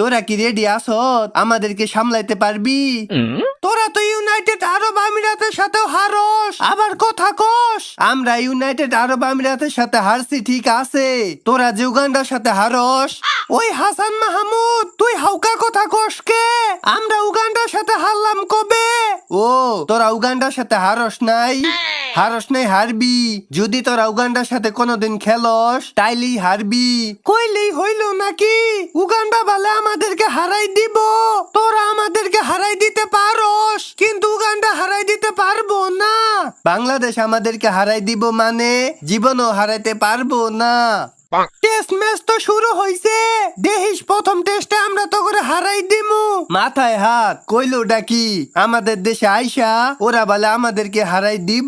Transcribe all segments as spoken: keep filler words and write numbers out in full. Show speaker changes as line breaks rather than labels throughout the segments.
তোরা কি রেডি আছো? আমাদেরকে সামলাইতে পারবি? তোরা তো ইউনাইটেড আরব আমিরাতের সাথেও হারস, আবার কথা কস। আমরা ইউনাইটেড আরব আমিরাতের সাথে হারছি ঠিক আছে, তোরা যে উগান্ডার সাথে হারস। ওই হাসান মাহমুদ, তুই হাউকা কথা কস কে? আমরা উগান্ডার সাথে হারলাম কবে? ও, তোরা উগান্ডার সাথে হারস নাই? হারস নাই হারবি। যদি তোরা উগান্ডার সাথে কোনোদিন খেলস তাইলেই হারবি। কইলেই হইল নাকি? উগান্ডা বলে আমাদেরকে হারাই দিব। তোরা আমাদেরকে হারাই দিতে পারস, কিন্তু উগান্ডা হারাই দিতে পারবো না। বাংলাদেশ আমাদেরকে হারাই দিব মানে জীবনও হারাইতে পারবো না। টেস্ট ম্যাচ তো শুরু হইছে, দেখিস প্রথম টেস্টে আমরা তো করে হারাই দিমু। মাথায় হাত, কইলো ডাকি আমাদের দেশে আইসা ওরা বলে আমাদেরকে হারাই দিব।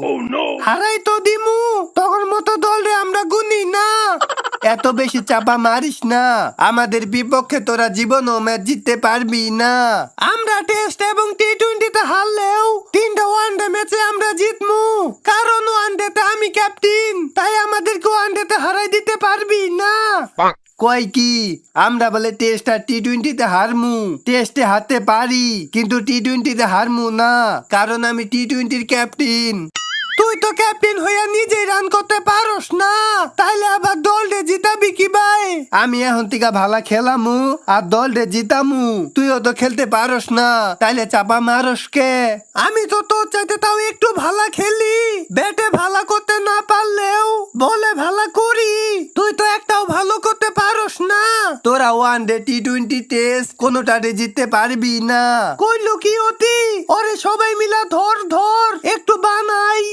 হারাই তো দিমু, তখন মতো দলে আমরা গুনি না। এত বেশি চাপা মারিস না, আমাদের বিপক্ষে তোরা জীবনও ম্যাচ জিততে পারবি না। আমরা টেস্ট এবং টি টোয়েন্টিতে হারলেও তিনটা ওয়ানডে ম্যাচে আমরা জিতমু, কারণ ওয়ানডেতে আমি ক্যাপ্টেন, তাই আমাদেরকে ওয়ানডেতে হারাই দিতে পারবি না। কয় কি আমরা বলে টেস্ট আর টি টোয়েন্টিতে হারমু? টেস্টে হারতে পারি কিন্তু টি টোয়েন্টিতে হারমু না, কারণ আমি টি টোয়েন্টির ক্যাপ্টেন। তুই তো ক্যাপ্টেন হইয়া নিজেই রান করতে পারস না, তাইলে আবার দলরে জিতাবি কি ভাই? আমি এখন থেকে ভালো খেলামু আর দলরে জিতামু, তুইও তো খেলতে পারস না, তাইলে চাপা মারস কে? আমি তো তোর চাইতে তাও একটু ভালো খেলি, ব্যাটে ভালো করতে না পারলেও বলে ভালো করি। তুই তো একটাও ভালো করতে পারস না। তোরা one day T twenty test কোনোটাতে জিততে পারবি না। কইলো কি অতি? ওরে সবাই মিলা ধর ধর একটু বানাই।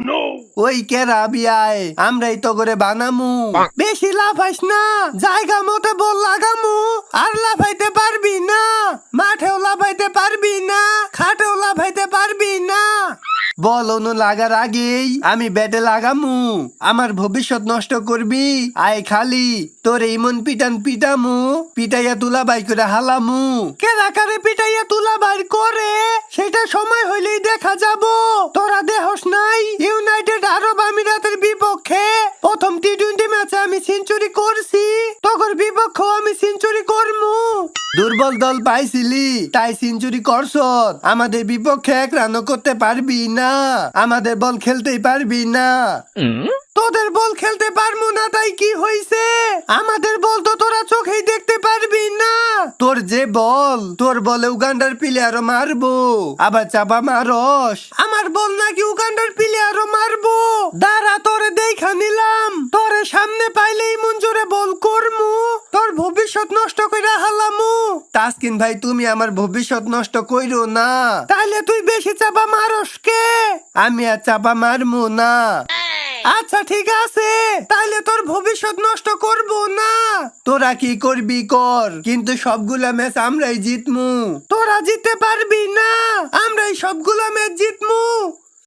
ওই কেরা বিয়ায় আমরাই তো করে বানামু। বেশি লাফাইস না, জায়গা মতো বল লাগামু। আর লাফাইতে পারবি না, মাঠেও লাফাইতে পারবি না, খাটেও লাফাইতে পারবি না। বল অনু লাগার আগেই আমি ব্যাটে লাগামু। আমার ভবিষ্যৎ নষ্ট করবি? আয় খালি তোর ইমন পিটান পিটামু, পিটাইয়া তুলা বাই করে হালামু। কেরা কারে পিটাইয়া তুলা বাই করে সেটা সময় হইলেই দেখা যাব। তোরা দেহস নাই ইউনাইটেড আরব আমিরাতের বিপক্ষে প্রথম টি টোয়েন্টি ম্যাচে আমি সেঞ্চুরি করছি, তখন বিপক্ষেও আমি সেঞ্চুরি করমু। দুর্বল দল পাইছিলি তাই সেঞ্চুরি করছ, আমাদের বিপক্ষে এক রানও করতে পারবি না, আমাদের বল খেলতেই পারবি না। তোদের বল খেলতে পারবো না তাই কি হইছে? আমাদের বল তো তোরা চোখেই দেখতে পারবি না। তোর যে বল, তোর বলে উগান্ডার প্লেয়ারও মারবো, আবার চাপা মারস। আমার বল নাকি উগান্ডার প্লেয়ারও মারবো? দাঁড়া তোরে দেখা নিলাম, তোরে সামনে পাইলেই মঞ্জুরে বল করমু, তোর ভবিষ্যৎ নষ্ট কইরা হালামু। তাসকিন ভাই তুমি আমার ভবিষ্যৎ নষ্ট কইরো না। তাইলে তুই বেশি চাপা মারস কে? আমি আর চাপা মারমু না। আচ্ছা ঠিক আছে, তাইলে তোর ভবিষ্যৎ নষ্ট করব না। তোরা কি করবি কর, কিন্তু সবগুলা ম্যাচ আমরাই জিতমু। তোরা জিততে পারবি না, আমরাই সবগুলা ম্যাচ জিতমু।